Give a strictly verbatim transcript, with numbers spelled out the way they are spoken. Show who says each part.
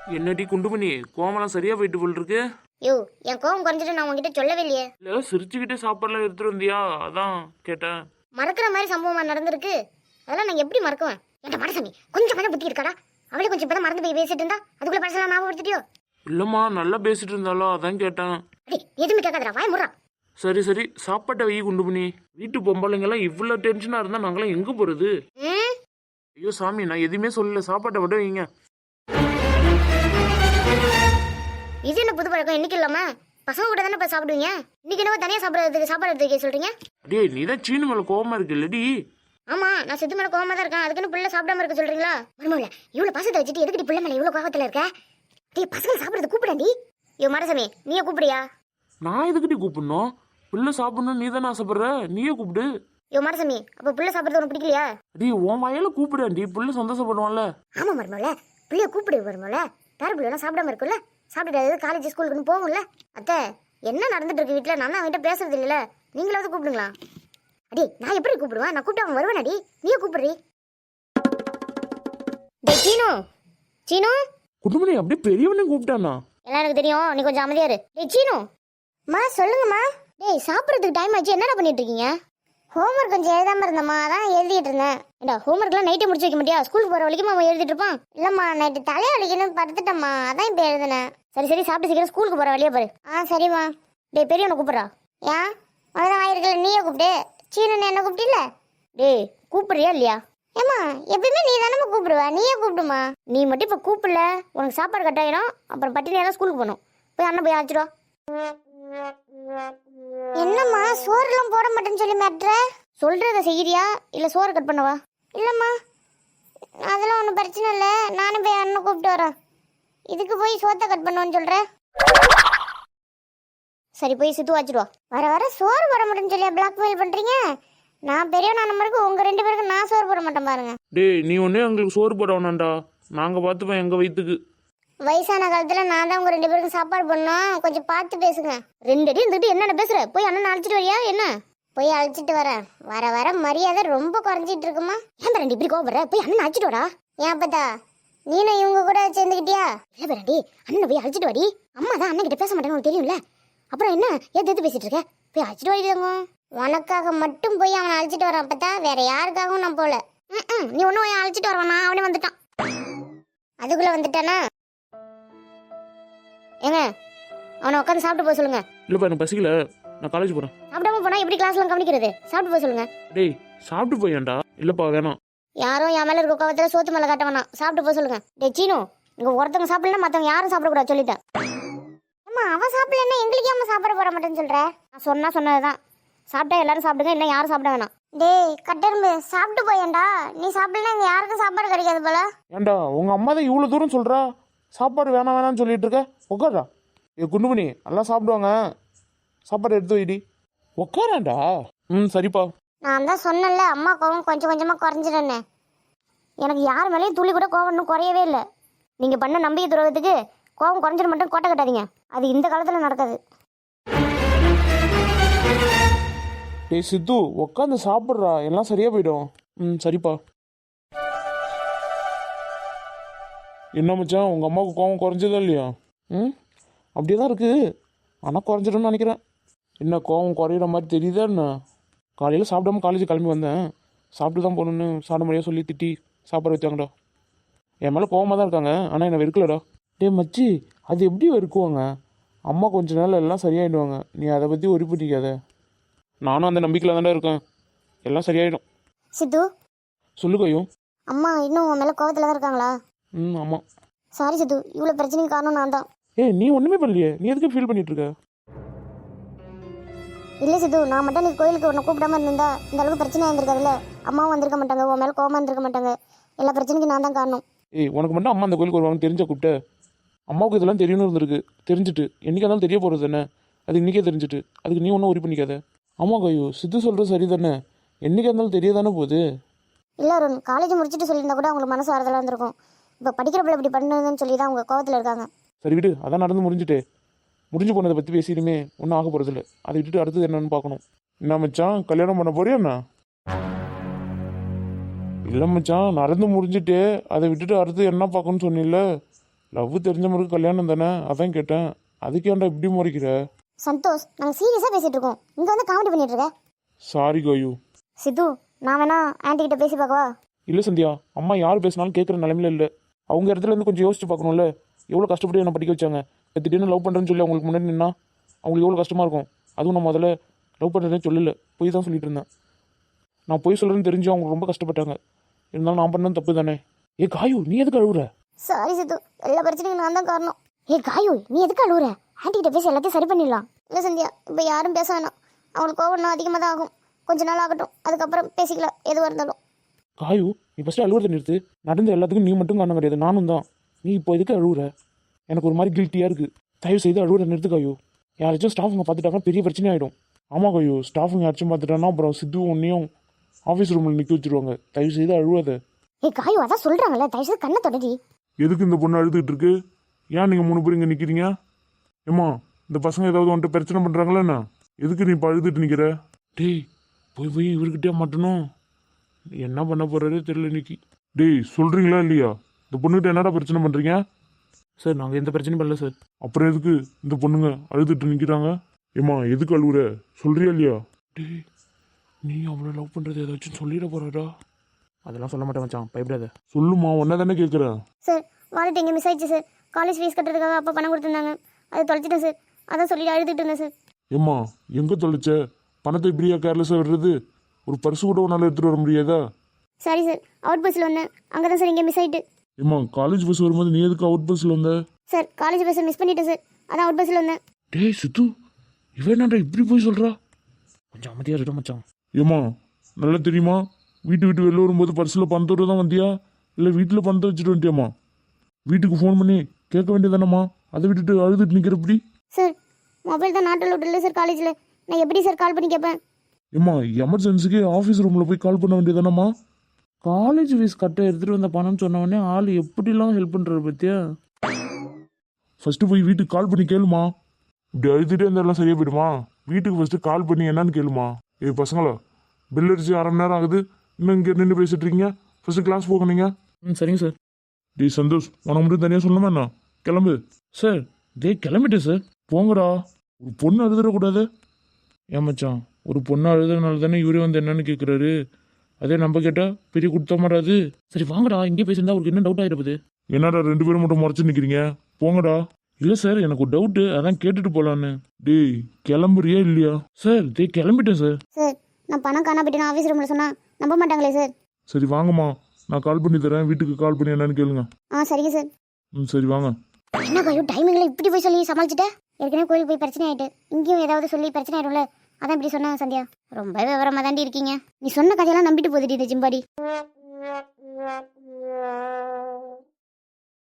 Speaker 1: என்னடி குண்டுமணி கோவமெல்லாம் சரியா போயிட்டு போல் இருக்கு.
Speaker 2: யோ என் கோவம் குறைஞ்சிட்டு நான் உங்ககிட்ட சொல்லவே இல்லையே.
Speaker 1: இல்ல சிரிச்சுக்கிட்டே சாப்பாடுலாம் எடுத்துட்டு வந்தியா, அதான் கேட்டேன்.
Speaker 2: மறக்கிற மாதிரி சம்பவமா நடந்திருக்கு, அதெல்லாம் நான் எப்படி மறக்குவேன்? என்கிட்ட மனசாமி கொஞ்சம் கொஞ்சம் புத்தி இருக்காடா? அவளே கொஞ்சம் இப்பதான் மறந்து போய் பேசிட்டு இருந்தா அதுக்குள்ள பழசெல்லாம் ஞாபகப்படுத்திட்டியோ?
Speaker 1: இல்லம்மா நல்லா பேசிட்டு இருந்தாலும் அதான் கேட்டேன்.
Speaker 2: அடே எதுவுமே கேட்காதடா, வாய் முறா.
Speaker 1: சரி சரி சாப்பாட்டை வை குண்டுமணி. வீட்டு பொம்பளைங்கெல்லாம் இவ்வளவு டென்ஷனா இருந்தா நாங்களாம் எங்க போறது?
Speaker 2: ம்
Speaker 1: ஐயோ சாமி நான் எதுவுமே சொல்லல, சாப்பாட்டை மட்டும் வைங்க.
Speaker 2: இது என்ன புது பழக்கம்? இன்னைக்கு இல்லாம பசங்க கூட தானே போய் சாப்பிடுவீங்க, இன்னைக்கு என்ன தனியா சாப்பிடறதுக்கு சாப்பாடு எடுத்து வைக்க சொல்றீங்க?
Speaker 1: அடே நீதான் சீனு மேல கோவமா இருக்கு இல்லடி?
Speaker 2: ஆமா நான் சித்து மேல கோவமா தான் இருக்கேன், அதுக்குன்னு பிள்ளை சாப்பிடாம இருக்க சொல்றீங்களா? மருமல இவ்வளவு பாசத்தை வச்சுட்டு எதுக்கு பிள்ளை மேல இவ்வளவு கோவத்துல இருக்க? டேய் பசங்க சாப்பிடுறது கூப்பிடாண்டி. ஐயோ மரசாமி நீயே கூப்பிடுறியா?
Speaker 1: நான் எதுக்கிட்டி கூப்பிடணும்? பிள்ளை சாப்பிடணும் நீ தானே ஆசைப்படுற, நீயே கூப்பிடு.
Speaker 2: ஐயோ மரசாமி அப்ப பிள்ளை சாப்பிடுறது உனக்கு பிடிக்கலையா?
Speaker 1: அடி உன் வாயால கூப்பிடாண்டி, பிள்ளை சந்தோஷப்படுவான்ல.
Speaker 2: ஆமா மருமல பிள்ளைய கூப்பிடு மருமல, பேர பிள்ளைலாம் சாப்பிடாம இருக்குல்ல, சாப்பிட்டு காலேஜ் ஸ்கூலுக்குன்னு போகும்ல. அத்தை என்ன நடந்துட்டு இருக்கு வீட்டுல? நான் தான் அவன்கிட்ட பேசுறது இல்லைல்ல, நீங்களாவது கூப்பிடுங்களா? அடி நான் எப்படி கூப்பிடுவேன்? நான் கூப்பிட்டு அவன் வருவான். அடி நீயே கூப்பிடுறீ. டேய் சீனு சீனு.
Speaker 1: குடும்பனே அப்படியே பெரியவனையும் கூப்பிட்டானா?
Speaker 2: எல்லாம் எனக்கு தெரியும், நீ கொஞ்சம் அமைதியா இரு. டேய் சீனு. மா சொல்லுங்கம்மா. டேய் சாப்பிட்றதுக்கு டைம் ஆச்சு, என்னடா பண்ணிட்டு இருக்கீங்க? ஹோம்ஒர்க் கொஞ்சம் எழுதாம இருந்தம்மா, அதான் எழுதிட்டு இருந்தேன். ஏண்டா ஹோம்ஒர்க்லாம் நைட்டே முடிச்சு வைக்க மாட்டியா? ஸ்கூலுக்கு போற வரைக்கும் அவன் எழுதிட்டு இருப்பான். இல்லம்மா நைட்டு தலையை வலிக்கணும்னு படுத்துட்டம்மா, அதான் இப்போ எழுதுனேன். சரி சரி சாப்பிட்டு சீக்கிரம் ஸ்கூலுக்கு போற வழியா பாரு. ஆ சரிம்மா. டேய் பெரியவனை கூப்பிட்றா. ஏன் அதான் ஆயிருக்கல, நீயே கூப்பிட்டு. சீனு என்ன கூப்பிட்டில்ல? டேய் கூப்பிடுறியா இல்லையா? ஏம்மா எப்பயுமே நீ தானே கூப்பிடுவ, நீயே கூப்பிடுமா. நீ மட்டும் இப்போ கூப்பிடல உனக்கு சாப்பாடு கட்டாயிடும், அப்புறம் பட்டினியெல்லாம் ஸ்கூலுக்கு போகணும். போய் அண்ணன் போய் அழைச்சிடுவா. என்னம்மா சோறுலாம் போட மாட்டேன்னு சொல்லி மாட்டுற? சொல்றத செய்யறியா இல்ல சோறு கட் பண்ணவா? இல்லம்மா அதெல்லாம் ஒன்றும் பிரச்சனை இல்லை, நானும் போய் அண்ணன் கூப்பிட்டு வரேன். இதுக்கு போய் சோத்தை கட் பண்ணுவேன்னு சொல்ற? சரி போய் சித்து வச்சிடுவா. வர வர சோறு போட மாட்டேன்னு சொல்லி பிளாக்மெயில் பண்றீங்க. நான் பெரியவனா நம்பருக்கு உங்க ரெண்டு பேருக்கு நான் சோறு போட மாட்டேன் பாருங்க.
Speaker 1: டேய் நீ ஒன்னே எங்களுக்கு சோறு போட வேணாம்டா, நாங்க பார்த்துப்போம் எங்க வயிற்றுக்கு.
Speaker 2: வயசான காலத்துல நான் தான் உங்க ரெண்டு பேருக்கும் சாப்பாடு பண்ணோம், கொஞ்சம் பார்த்து பேசுங்க. ரெண்டு அடி இருந்துட்டு என்னென்ன பேசுற? போய் அண்ணன் அழைச்சிட்டு வரியா என்ன? போய் அழைச்சிட்டு வரேன். வர வர மரியாதை ரொம்ப குறைஞ்சிட்டு இருக்குமா? ஏன் ரெண்டு இப்படி கோபப்படுற? போய் அண்ணன் அழைச்சிட்டு வரா. ஏன் பத்தா நீனும் இவங்க கூட சேர்ந்துக்கிட்டியா? இல்ல பேரண்டி அண்ணன் போய் அழைச்சிட்டு வாடி. அம்மா தான் அண்ணன் கிட்ட பேச மாட்டேன்னு உனக்கு தெரியும்ல, அப்புறம் என்ன ஏத்து ஏத்து பேசிட்டு இருக்க? போய் அழைச்சிட்டு வாடிங்க. உனக்காக மட்டும் போய் அவனை அழைச்சிட்டு வரான் பத்தா, வேற யாருக்காகவும் நான் போல. ம் நீ ஒன்னும் போய் அழைச்சிட்டு வரவானா? அவனே வந்துட்டான். அதுக்குள்ள வந்துட்டானா? ஏங்க அவனை உட்காந்து சாப்பிட்டு போக சொல்லுங்க.
Speaker 1: இல்லப்பா எனக்கு பசிக்கல, நான் காலேஜ் போறேன்.
Speaker 2: சாப்பிடாம போனா எப்படி கிளாஸ்லாம் கவனிக்கிறது? சாப்பிட்டு போக சொல்லுங்க.
Speaker 1: டேய் சாப்பிட்டு போயேன்டா. இல்லப்பா வேணாம்.
Speaker 2: யாரும் என் மேல இருக்க கோவத்துல சோத்து மேல காட்ட வேணாம், சாப்பிட்டு போக சொல்லுங்க. டே சீனு இங்க ஒருத்தவங்க சாப்பிடலாம் மத்தவங்க யாரும் சாப்பிடக்கூடாது சொல்லிட்டேன். அம்மா அவன் சாப்பிடலன்னா எங்களுக்கு ஏன் சாப்பிட போற மாட்டேன்னு சொல்ற? நான் சொன்னா சொன்னதுதான், சாப்பிட்டா எல்லாரும் சாப்பிடுங்க, இல்லை யாரும் சாப்பிட வேணாம். டேய் கட்டெரும்பு சாப்பிட்டு போயேன்டா, நீ சாப்பிடலாம் இங்க யாருக்கும் சாப்பாடு கிடைக்காது போல.
Speaker 1: ஏண்டா உங்க அம்மா தான் இவ்வளவு தூரம் சொல்றா, சாப்பாடு வேணாம் வேணாம்னு சொல்லிட்டு இருக்க. உட்காரா. ஏ குண்டுமணி எல்லாம் சாப்பிடுவாங்க, சாப்பாடு எடுத்து வைடி. உட்காராண்டா. ம் சரிப்பா.
Speaker 2: நான் தான் சொன்னேன்ல அம்மா கோவம் கொஞ்சம் கொஞ்சமா குறைஞ்சிடன்னு. எனக்கு யார் மேலேயும் துளி கூட கோவம் இன்னும் குறையவே இல்லை. நீங்க பண்ண நம்பிக்கை துரோகத்துக்கு கோவம் குறைஞ்சிட மட்டும் கோட்டை கட்டாதீங்க, அது இந்த காலத்துல நடக்காது.
Speaker 1: டேய் சித்து உட்காந்து சாப்பிட்றா, எல்லாம் சரியா போயிடும். ம் சரிப்பா. என்ன மச்சான் உங்க அம்மாவுக்கு கோவம் குறைஞ்சதா இல்லையா? ம் அப்படியே தான் இருக்கு, ஆனால் குறைஞ்சிடும்னு நினைக்கிறேன். என்ன கோவம் குறையிற மாதிரி தெரியுதா என்ன? காலையில் சாப்பிடாம காலேஜ் கிளம்பி வந்தேன், சாப்பிட்டு தான் போகணுன்னு சாப்பிட முடியாது சொல்லி திட்டி சாப்பாடு வச்சாங்கடா. என் மேலே கோவமாக தான் இருக்காங்க, ஆனால் என்னை வெறுக்கலடா. டே மச்சி அது எப்படி வெறுக்குவாங்க? அம்மா கொஞ்ச நாள் எல்லாம் சரியாயிடுவாங்க, நீ அதை பற்றி ஒரி பண்ணிக்காத. நானும் அந்த நம்பிக்கையில் தான்டா இருக்கேன், எல்லாம் சரியாயிடும்.
Speaker 2: சித்து
Speaker 1: சொல்லு கையோ.
Speaker 2: அம்மா இன்னும் உன் மேல கோவத்துல தான் இருக்காங்களா?
Speaker 1: ம் ஆமாம்.
Speaker 2: சாரி சித்து, இவ்வளோ பிரச்சனைக்கு காரணம் நான் தான்.
Speaker 1: ஏய் நீ ஒன்றுமே பண்ணலையே, நீ எதுக்கு ஃபீல் பண்ணிட்டு இருக்க?
Speaker 2: இல்லை சித்து, நான் மட்டும் நீ கோயிலுக்கு உன்னை கூப்பிடாம இருந்திருந்தா இந்த அளவுக்கு பிரச்சனை இருந்திருக்காதுல்ல. அம்மாவும் வந்திருக்க மாட்டாங்க, உன் மேலே கோவமாக இருந்திருக்க மாட்டாங்க. எல்லா பிரச்சனைக்கும் நான் தான் காரணம்.
Speaker 1: ஏய் உனக்கு மட்டும் அம்மா அந்த கோயிலுக்கு வருவாங்க தெரிஞ்ச கூப்பிட்ட? அம்மாவுக்கு இதெல்லாம் தெரியணும் இருந்திருக்கு, தெரிஞ்சுட்டு என்றைக்கு இருந்தாலும் தெரிய போகிறது தானே, அது இன்றைக்கே தெரிஞ்சுட்டு அதுக்கு நீ ஒன்றும் ஒரி பண்ணிக்காத. ஆமாம் கையோ சித்து சொல்கிறது சரி தானே, என்றைக்கு இருந்தாலும் தெரிய தானே போகுது.
Speaker 2: இல்லை அருண், காலேஜ் முடிச்சுட்டு சொல்லியிருந்தா கூட அவங்களுக்கு மனசு ஆறுதலாக இருந்திருக்கும். இப்போ படிக்கிற பிள்ளை இப்படி பண்ணுதுன்னு சொல்லி தான் அவங்க கோவத்தில் இருக்காங்க.
Speaker 1: சரி விடு, அதான் நடந்து முடிஞ்சுட்டு முடிஞ்சு போனதை பற்றி பேசிடுமே, ஒன்றும் ஆக போகிறதில்ல. அதை விட்டுட்டு அடுத்தது என்னன்னு பார்க்கணும். என்ன மச்சான் கல்யாணம் பண்ண போறியா என்ன? இல்லை மச்சான் நடந்து முடிஞ்சுட்டு அதை விட்டுட்டு அடுத்து என்ன பார்க்கணும்னு சொன்னில்ல, லவ் தெரிஞ்ச மாதிரி கல்யாணம் தானே, அதான் கேட்டேன். அதுக்கு ஏன்டா இப்படி முறைக்கிற?
Speaker 2: சந்தோஷ், நாங்கள் சீரியஸாக பேசிகிட்டு இருக்கோம், இங்கே வந்து காமெடி பண்ணிட்டு இருக்க.
Speaker 1: சாரி காயு.
Speaker 2: சித்து, நான் வேணா ஆன்ட்டி கிட்ட பேசி பார்க்கவா?
Speaker 1: இல்லை சந்தியா, அம்மா யார் பேசினாலும் கேட்குற நிலமையில இல்லை. அவங்க இடத்துல இருந்து கொஞ்சம் யோசிச்சு பார்க்கணும்ல. எவ்வளோ கஷ்டப்பட்டு என்ன படிக்க வச்சாங்க. திடீர்னு லவ் பண்ணுறேன்னு சொல்லி அவங்களுக்கு முன்னாடி நின்னா அவங்களுக்கு எவ்வளோ கஷ்டமாக இருக்கும். அதுவும் நான் முதல்ல லவ் பண்ணுறேன்னு சொல்லல, போய் தான் சொல்லிட்டு இருந்தேன். நான் போய் சொல்கிறேன்னு தெரிஞ்சு அவங்க ரொம்ப கஷ்டப்பட்டாங்க. இருந்தாலும் நான் பண்ணது தப்பு தானே. ஏ காயு, நீ எதுக்கு அழுகுற?
Speaker 2: சாரி சித்து, எல்லா பிரச்சனைக்கும் நான் தான் காரணம். ஏ காயு, நீ எதுக்கு அழுகுற? ஆன்ட்டி கிட்ட பேசி எல்லாத்தையும் சரி பண்ணிடலாம். இல்லை சந்தியா, இப்போ யாரும் பேச வேணாம். அவங்களுக்கு கோவம் இன்னும் அதிகமாக தான் ஆகும். கொஞ்ச நாள் ஆகட்டும், அதுக்கப்புறம் பேசிக்கலாம் எதுவாக இருந்தாலும்.
Speaker 1: காயு, நீ ஃபஸ்ட்டு அழுகுறத நிறுத்து. நடந்த எல்லாத்துக்கும் நீ மட்டும் காரணம் கிடையாது, நானும் தான். நீ இப்போ எதுக்கு அழுகுற? எனக்கு ஒரு மாதிரி கில்ட்டியாக இருக்குது. தயவு செய்து அழுகுற நிறுத்து காயு. யாராச்சும் ஸ்டாஃபுங்க பார்த்துட்டாங்கன்னா பெரிய பிரச்சனை ஆகிடும். ஆமாம் காயு, ஸ்டாஃபுங்க யாராச்சும் பார்த்துட்டாங்கன்னா அப்புறம் சித்து ஒன்றையும் ஆஃபீஸ் ரூமில் நிற்க வச்சுருவாங்க. தயவு செய்து அழுவாத.
Speaker 2: ஏ காயு, அதான் சொல்கிறாங்கல்ல, தயவு செய்து கண்ணை தொடடி.
Speaker 1: எதுக்கு இந்த பொண்ணு அழுதுகிட்டு இருக்கு? ஏன் நீங்கள் மூணு பேர் இங்கே நிற்கிறீங்க? ஏம்மா, இந்த பசங்க ஏதாவது வந்துட்டு பிரச்சனை பண்ணுறாங்களா என்ன? எதுக்கு நீ இப்போ அழுதுட்டு நிற்கிற? டேய், போய் போய் இவர்கிட்டே மாட்டணும். என்ன பண்ண போகிறாரே தெரியல இன்னைக்கு. டேய், சொல்கிறீங்களா இல்லையா? இந்த பொண்ணுகிட்ட என்னடா பிரச்சனை பண்ணுறீங்க? சார், நாங்கள் எந்த பிரச்சனையும் பண்ணல சார். அப்புறம் எதுக்கு இந்த பொண்ணுங்க அழுதுட்டு நிற்கிறாங்க? ஏம்மா, எதுக்கு அழுகுற? சொல்கிறியா இல்லையா? டேய், நீ அவ்வளோ லவ் பண்ணுறது ஏதாச்சும் சொல்லிட போகிறாடா? அதெல்லாம் சொல்ல மாட்டேன் மச்சான், பயப்படாத. சொல்லுமா, ஒன்றா தானே கேட்குறேன்.
Speaker 2: சார், வாலெட் எங்கே மிஸ் ஆயிடுச்சு சார். காலேஜ் ஃபீஸ் கட்டுறதுக்காக அப்போ பணம் கொடுத்துருந்தாங்க, அதை தொலைச்சிட்டேன் சார். அதான் சொல்லிட்டு அழுதுட்டு இருந்தேன் சார்.
Speaker 1: ஏம்மா, எங்கே தொலைச்ச? பணத்தை இப்படியா கேர்லெஸ்ஸாக விடுறது? ஒரு பர்ஸு கூட உன்னால் எடுத்துகிட்டு வர முடியாதா?
Speaker 2: சாரி சார், அவுட் பஸ்ஸில் வந்தேன், அங்கே தான் சார் இங்கே மிஸ் ஆகிட்டு.
Speaker 1: ஏம்மா, காலேஜ் பஸ் வரும்போது நீ எதுக்கு அவுட் பஸ்ஸில் வந்த?
Speaker 2: சார், காலேஜ் பஸ்ஸை மிஸ் பண்ணிட்டேன் சார், அதான் அவுட் பஸ்ஸில் வந்தேன்.
Speaker 1: டேய் சித்து, இவன் என்னடா இப்படி போய் சொல்கிறா? கொஞ்சம் அமைதியாக இருக்க மச்சான். ஏம்மா, நல்லா தெரியுமா? வீட்டு விட்டு வெளில வரும்போது பர்ஸில் பணத்தோடு தான் வந்தியா, இல்லை வீட்டில் பணத்தை வச்சுட்டு வந்துட்டியாம்மா? வீட்டுக்கு ஃபோன் பண்ணி கேட்க வேண்டியதானம்மா? அதை விட்டுட்டு அழுதுட்டு நிற்கிறப்படி?
Speaker 2: சார், மொபைல் தான் நாட்டில் விட்டு இல்லை சார் காலேஜில், நான் எப்படி சார் கால் பண்ணி கேட்பேன்?
Speaker 1: ஏம்மா, எமர்ஜென்சிக்கு ஆஃபீஸ் ரூமில் போய் கால் பண்ண வேண்டியதானம்மா? காலேஜ் ஃபீஸ் கட்ட எடுத்துகிட்டு வந்த பணம்னு சொன்னவொடனே ஆள் எப்படிலாம் ஹெல்ப் பண்ணுறது பற்றியா? ஃபஸ்ட்டு போய் வீட்டுக்கு கால் பண்ணி கேளுமா. இப்படி அழுதுகிட்டே இருந்தாலும் சரியாக போயிடுமா? வீட்டுக்கு ஃபஸ்ட்டு கால் பண்ணி என்னன்னு கேளுமா. ஏ பசங்களா, பில் அடிச்சு அரை மணி நேரம் ஆகுது, இன்னும் இங்கே நின்று பேசிட்டு இருக்கீங்க. ஃபஸ்ட்டு கிளாஸ் போக நீங்கள். ம், சரிங்க சார். டேய் சந்தோஷ், உனக்கு மட்டும் தனியாக சொல்லணுமா என்ன? கிளம்பு. சார், டே கிளம்பிட்டேன் சார். போங்கடா, ஒரு பொண்ணு அழுதுடக்கூடாது. ஏன் மச்சான், ஒரு பொண்ணு அழுதுனால தானே இவரே வந்து என்னன்னு கேட்குறாரு. அதே நம்ம கேட்டால் பெரிய குடுத்த மாட்டாது. சரி வாங்கடா, இங்கே பேசியிருந்தா அவருக்கு என்ன டவுட் ஆகிருப்பது? என்னடா ரெண்டு பேரும் மட்டும் முறைச்சு நிற்கிறீங்க? போங்கடா. இல்லை சார், எனக்கு ஒரு டவுட்டு, அதான் கேட்டுட்டு போகலான்னு. டேய், கிளம்புறியா இல்லையா? சார், டே கிளம்பிட்டேன் சார்.
Speaker 2: சார், நான் பணம் காணா போயிட்டு ஆஃபீஸ் ரூமில் சொன்னால் நம்ப மாட்டாங்களே சார்.
Speaker 1: சரி வாங்கம்மா, நான் கால் பண்ணி தரேன், வீட்டுக்கு கால் பண்ணி என்னன்னு கேளுங்க.
Speaker 2: ஆ சரிங்க சார்.
Speaker 1: ம் சரி வாங்க.
Speaker 2: என்ன காயோ, டைமிங்கில் இப்படி போய் சொல்லி சமாளிச்சுட்டேன். ஏற்கனவே கோயிலுக்கு போய் பிரச்சனை ஆகிட்டு, இங்கேயும் ஏதாவது சொல்லி பிரச்சனை ஆயிடும்ல, அதான் இப்படி சொன்னாங்க. சந்தியா, ரொம்ப விவரமாக தாண்டி இருக்கீங்க. நீ சொன்ன கதையெல்லாம் நம்பிட்டு போதுடி இந்த ஜிம்பாடி.